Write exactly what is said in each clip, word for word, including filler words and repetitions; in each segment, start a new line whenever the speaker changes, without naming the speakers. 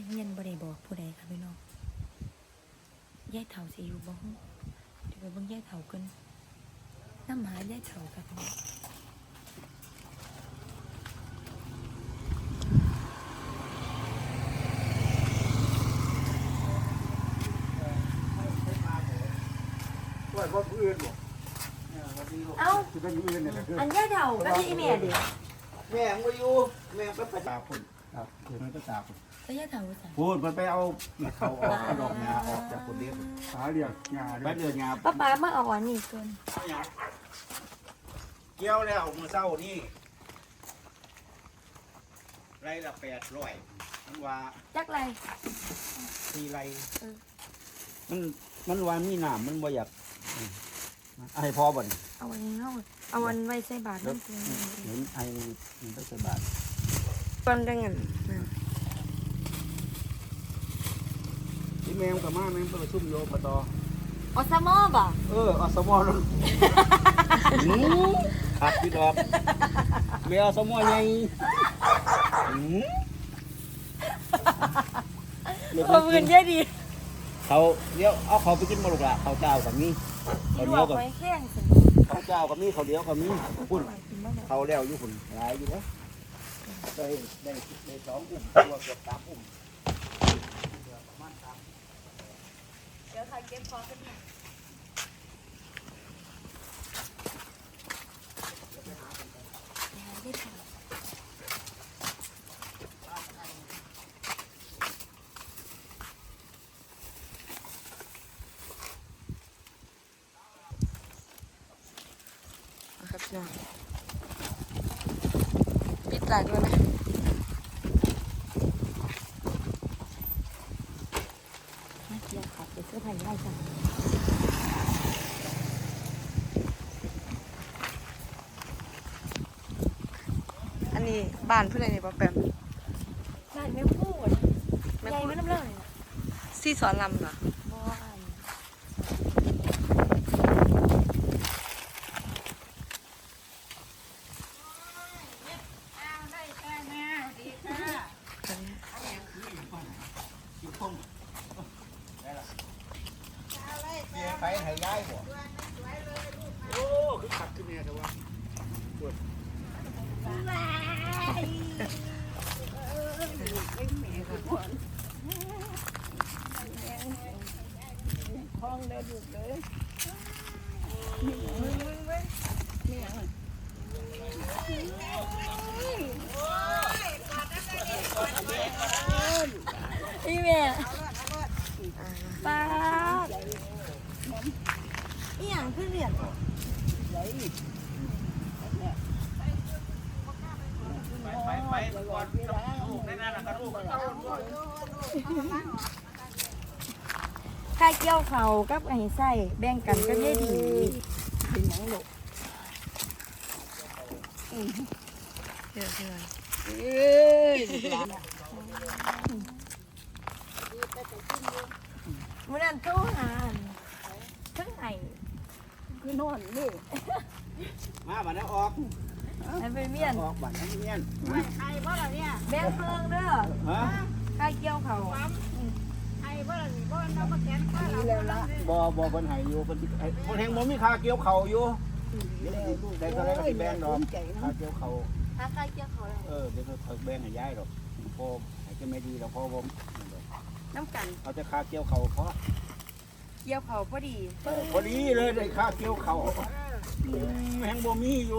เฮียนบ่ได้บอกผู้ใดค่ะพี่น้องยายเฒ่าสิอยู่บ่ฮู้เดี๋ยวไปเบิ่งยายเฒ่ากันนำหายายเฒ่าค่ะพี่น้อง
ว่าว่าผู้อื่นบ่เอ้าสิเป็นผู้อื่นเนี่ยคืออันยายเฒ่าก็ที่แม่ดิแม่บ่อยู่แม่ไปประจาพุ่นครับเดี๋ยวมันก็ตาพุ่น
แล้วยายเฒ่าว่าซั่น
พูดมันไปเอาเขาออกดอกงาออกจากคนเดียวหาเลี้ยงงาไปเดือนงา
ป้าป้ามาเอาอันนี้ก่อน
เกี่ยวแล้วมื้อเช้านี่ไรละแปดร้อยมันว่า
จักไร
สี่ไรมันมันว่ามีน้ำมันบ่อยากให้พอบ่น
เอาอันนี้เฮาเอาอันไว้ใส่บาตรนั่นคือ
เห็นไอ้มันไปใส่บาตร
ก่อนจังงั้น
ที่แมงกับมาแมงไปประชุมโยปต
อสมอบ่
เอออสมอนั่นขาดพี่ดอกเมียอสมอไง
ขอบคุณเยอะดี
เขาเดี๋ยวเอาเขาไปกินมาลูกละเขาเจ้ากับมีเขาเดียวกับเขาเจ้ากับมีเขาเดียวกับมีพุ่นเขาแล้วอยู่พุ่นหลายอยู่แล้วได้ได้ได้สองอุ้มตัวเกือบสามอุ้ม
เดี๋ยวใครเก็บของกันเนี่ยครับพี่น้องปิดหลายด้วยไหมน่าเกลียดครับเดี๋ยวเสื้อผ้าไล่จังอันนี้บ้านเพื่อนอะไรป้าแปมบ้านแม่พูดแม่พูดน้ำเล่าเลยซี่สอนลำเหรอ
ไปไหนย้ายบ่โอ้คือขัดขึ้นเนี่ยแต่ว่าปวดห้องเดินอยู่เลย
พี่แม่ป้าอีหยังขึ้นเรียน
ไปไปไปก่อนลูกในนั้นนะครับลูก
ค่าเกี่ยวเขากับไอ้ไส้แบ่งกันก็ได้ดีเป็นหยังลูกเดี๋ยวเดี๋ยวเอ้ยมื้อนั้นโทรหาทั้งไห้คือนอนนี่
มาบัดนี้ออก
ให้ไปเมียน
ออกบัดนี้เมียน
ไอ้บ่ล่ะเนี่ย
แบ่งเพิ่งเด้อ
ฮะ
ค่าเกี่ยวเขา
ไอ้บ่ล่ะนี่บ่นำมาแกนข้าเรา
บ่บ่เพิ่นให้อยู่เพิ่นสิให้เพิ่นแฮงบ่มีค่าเกี่ยวข้าวอยู่ได้เท่าไรก็สิแบ่งดอกค่าเกี่ยวข้าว
ค่าเกี่ยวเขา
เออเดี๋ยวเขาแบ่งให้ยายดอกพอให้จะไม่ดีดอกพอบ่
น้ำกัน
เอาจะค่าเกี่ยวข้าวพอ
เกี่ยวเขาพอดี
พอดีเลยได้ค่าเกี่ยวข้าวแฮงบ่มีอยู่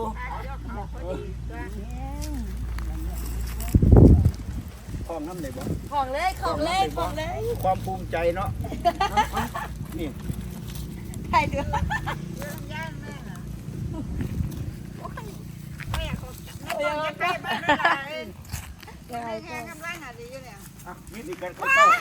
ของน้ำได้บ่
ของเลยของเลยของเลย
ความภูมิใจเนาะนี่
ใช่เด้
อย่าแม่น่ะโอ้ยไม่อยากเขาไม่ต้องจะไปบ้านนั่นล่ะเอ้ยแค่กำลังหาดีอยู่เนี่ย
อ่ะมีสิกันเข้า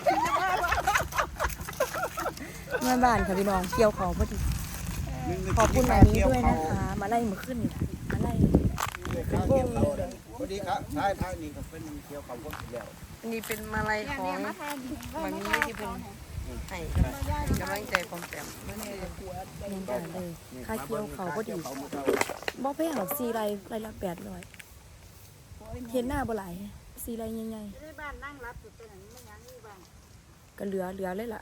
แม่บ้านค่ะพี่น้องเกี่ยวเขาพอดีขอบคุณมานี้ด้วยนะคะมาไล่มาขึ้นมาไล่
เป็นวงพอดีครับท้ายท้ายนี่ก็เป็นเกี่ยวเขาคนแล้ว
อันนี้เป็นมาลัยของมันนี้ที่เป็นให้กำลังใจผมแต้มไม่ได้เน้นด่าเลยค่าเกี่ยวเขาพอดีบ่ไปหาสี่ไรไรละแปดร้อยเห็นหน้าบ่ไหลสี่ไรใหญ่
ในบ้านนั่งรับอยู่ตรงนั้นไม่ยังอยู่บ้าน
ๆก็เหลือเหลือเลยล่ะ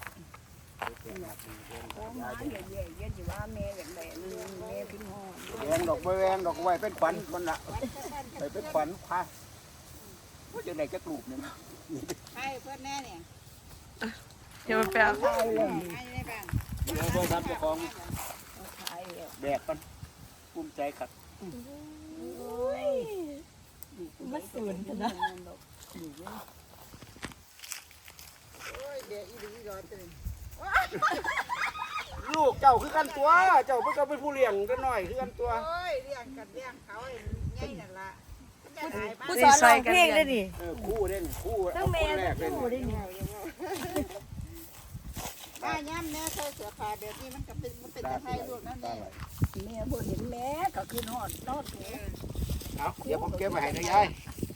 ของหมาเยอะๆเยอะอยู่ว่าแม่อย่างไรแม่พิมพ์ห่อ
แวงดอกใบแวงดอกไว้เป็นขวัญมันละไปเป็นขวัญพาว่าจะได้จะกลูบเนี่ย
ใช่เพื่อนแน่เนี่ย
เดี๋ยวมาแปล
ใช่เลยใช่ในบ้าน
เดี๋ยวโทรศัพท์เจ้าของแบกกันภูมิใจครับ
มาสูนกันนะ
โอ้ยเดี๋ยวอีหลีรอตื่น
ลูกเจ้าคือกันตัว เจ้าเพิ่งก็เป็นผู้เลี้ยงกันหน่อยคือกันตัว
โอ้ยเลี้ยงกันเลี้ยงเขาไอ้ใหญ่นั่นละจะหายบ้าน
ผู้สอนร้องเพลงได้ดิ
เออคู่เล่นคู่
ทั้
เอา
ง
ค
แม่
นแร
ทั้
ก
ง
เล่น
ผู้ได้ดิ
บ้านย่ำแม่ใส่เสื้อผ้าแบบนี้มันก็เป็นมันเป็นตะไคร้ลูกนั่นเอง
แม่บ่เห็นแม่ก็คือนอนนอน
เอาเดี๋ยวผมเก็บไว้ให้นะยาย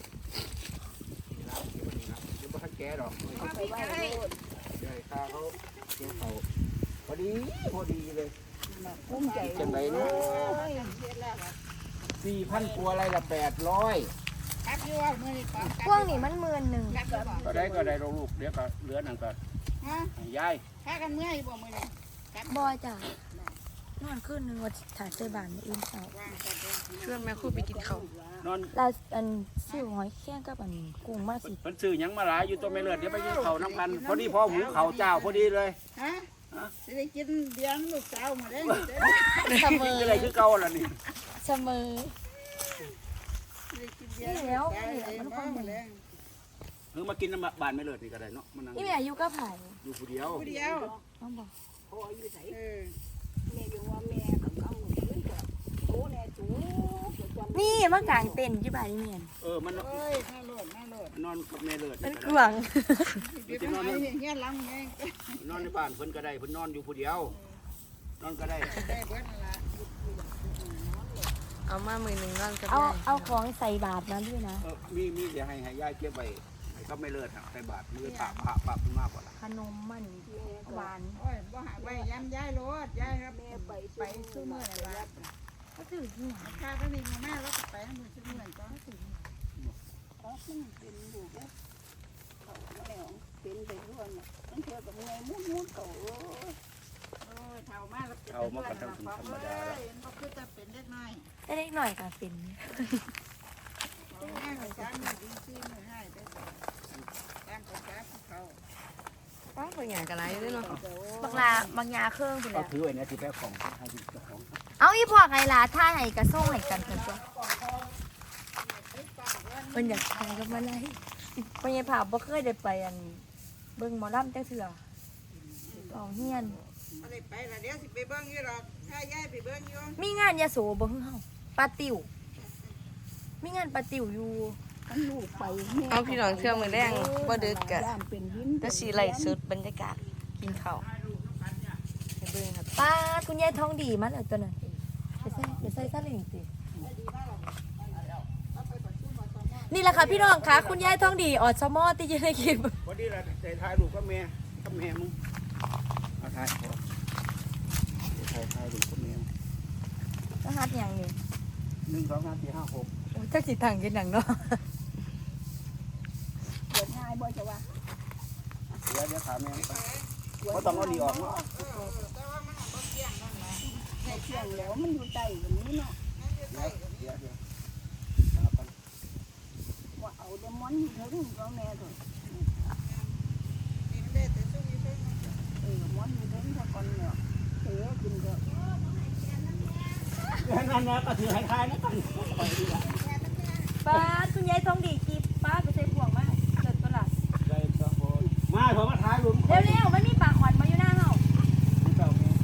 เดี๋ยวบ่ทันแกดอก
ไปไว้โลด
ยายข้าเขาเกี่ยวเขาพอดีพอดีเลย
ภูมิใจ
จังไรเนาะสี่พันกว่าอะไรละแปดร้อย
ครับอยู่ว่ามือนี่ก่อน
พวกนี้มันหมื่นหนึ่ง
ครับอยู่บ่
ก็ได้ก็ได้ลูกเดี๋ยวก็เหลือนั่นก็
ฮะ
ให้ยาย
ถ้ากันเมื่อยบ่มือนี่ครับ
บอยจ้ะนอนขึ้นนึงว่าถ่ายเจอบานในอินเสา
วางกันเด้อ
ชวนแม่คู่ไปกินข้าวน
อน
เราอันซิ่วหอยแข้งกับอันกุ้งมาสิ
เพิ่นซื้อหยังมาหลายอยู่ตัวไม่เลือดเดี๋ยวไปกินข้าวน้ำกันพอดีพอหุงข้าวเจ้าพอดีเลย
ฮะสิได้กินเลี้ยงลูกสาวหมดเลย
เสมอ
กินอะไรคือเก่าล่ะนี่
เสมอ
สิได้กินเลี้ยงลูกสาวเลยมาหมดเลย
เออมากินน้ำบานไม่เลือดนี่ก็ได้เนาะมานั่ง
นี่แม่อายุก็ผ่าน
อยู่ผู้เดียว
ผู้เดียว
น้องบอก
พ่ออยู่ไส
เออ
แม่อยู่ว่าแม่กับเขาขึ้นก็โตแน่จูจำ
นี่มากางเต็นท์ที่บ้านนี่แม่น
เออมัน
เอ้ยน่าโลดน่าโลด
นอนกับแม่เลือด
มัน
นี่
ก
ก็
วาง
เดี๋ยวไปหาเงี้ยล้ำไง
ได้นอนในบ้านเพิ่นก็ได้เพิ่นนอนอยู่ผู้เดียว นอนก็ได้
ได้เบิดนั่นละ
เอามามือหนึ่งนอนกับ
เอา
ยาย
เอาของใส่บาตรนั้นด้วยนะ
เออมีมีเดี๋ยวให้ให้ยายเก็บไว้ให้ก็ไม่เลือดใส่บาทมือปากปากปากมากกว่าละ
ขนมมันหวาน
โอ้ยบ่หาไว้ย้ำย้ายรถย้ายครับแม่ไปไปซื้อเมื่อไหร่ละ
ก็ถือที่ไหน
ข้าก็นี่มาแม่แล้วก็ไปมือซื้อเมื่อก็ซื้อ
เขาขึ้นเป็นอยู่แล้วเขาแล้วเป็นไปด้วยน่ะนั่นเท่ากับเงยมุดมุดเขา
โอ้ยเท่ามากแล้วเป็นเพื่อนละพร้อมเลยก็คือจะเป็นเล็กน้อย
ได้เล็กหน่อยก็เป็น
แม่ก็จ้างมือดีซื้อมือให้ได้ตามภาษาเขา
ป้าเป็นอย่างกันไรด้วยเนาะ
บางลาบางยาเครื่องไป
ก็
แล้ว
ถือไว้เนี่ยที่แพ้ของให้ที่เจ้าของ
เอาอีพอไงล่ะท่าไหนกระส่งไหนกันกันจ้ะมันอยากถ่ายกับมาไล่เป็นยังผ่าบ่เคยได้ไปอันเบิ่งหมอลำจังเถื่อเอาเฮียน
อะไรไปละเดี๋ยวสิไปเบิ้งอยู่หรอกถ้าย้ายไปเบิ้งอยู่
มีงานยาโสบ่ฮึ่งเฮาปาติวมีงานปาติวอยู่
มันลูกไป
เอาพี่น้องเชื่อมือแรงบ่ดึกกะ
ย่านเป็นหิน
จะสีไหลสุดบรรยากาศกินข้าวไปเบิ่งครับ
ป้าดคุณยายทองดีมันเอาตัวนั้นไปใส่ไปใส่ซะเลยสินี่แหละค่ะพี่น้องค่ะคุณยายทองดีออดซมอที่อยู่ในคลิป
พอดีละแต่ถ่ายรูปกับแม่กับแม่มึงเอาถ่ายพอถ่ายถ่ายรูปกับแม่
รหัสอย่างนี้
หนึ่งสองสามสี่ห้าหก
โอ้ยจักสิทางกินหนังเนาะ
เกิดง่ายบ่จะว่า
เดี๋ยวเดี๋ยวถามแม่ไปก็ต้องเอาดีออกเนาะ
แต่ว่ามันบ่เกี่ยงนั่นแหละ
ในเที่ยงแล้วมันอยู่ใต้แบบนี้เนาะ
เดี๋ยวเดี๋ยวเดี๋ยวเอาไป
ว่าเอาเดมอนอยู่เถิงก็แม่เถอะ
นี่มันได้แต่ซุ่มอยู่เพิ่น
เออมอนอยู่เถิงถ้าก่อนเนี่ยเสียกินก็
นั่นนะก็ถือให้ทายนะกันไปดีกว่า
ป้าดคุณยายทองดีคลิปป้าดไปใส่ห่วงมาเกิดตัวละ
ได้ครับผมมาผมมาถ่ายรูป
เร็วๆไม่มีปากหวานมาอยู่หน้าเฮา
เจ้าแม่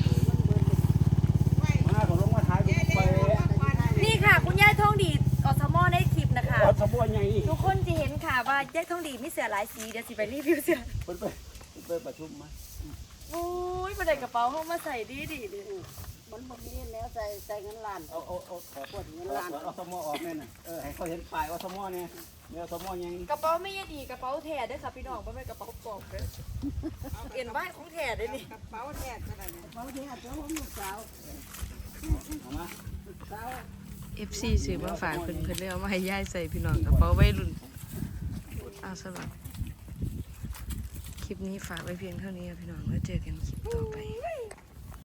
มาผมลงมาถ่ายรูปไป
นี่ค่ะ คุณยายทองดีออดซมอในคลิปนะคะ
วัดสมบูรณ์ไง
ทุกคนจะเห็นค่ะว่ายายทองดีมีเสื้อหลายสีเดี๋ยวสิไปรีวิวเสื้อ
เพิ่นไปเพิ่นไปประชุมมา
โอ้ยมาได้กระเป๋าเข้ามาใส่ดีดีๆเลย
มันบ่มีแล้วใส่ใส่เงินล้าน
เอาเอาเอาขอปวดเงินล้านเอาสมอออกแน่น่ะเออให้เขาเห็นป้ายว่าสมอเนี่ยเนี่ยสมอยัง
กระเป๋าไม่ยดีกระเป๋าแท้ด้วยค่ะพี่น้องไม่เป็นกระเป๋าปลอมเลยเอ็นไว้ของแท้ได้นี่
กระเป๋าแทกขนาดนี้
เขาที่หาเจ้าของลูกสาว
เอามา
สาว
เอฟซีซื้อมาฝากเพิ่นเพิ่นเลยเอามาให้ยายใส่พี่น้องกระเป๋าวัยรุ่น
เอาสำหรับคลิปนี้ฝากไว้เพียงเท่านี้ค่ะพี่น้องไว้เจอกันคลิปต่อไป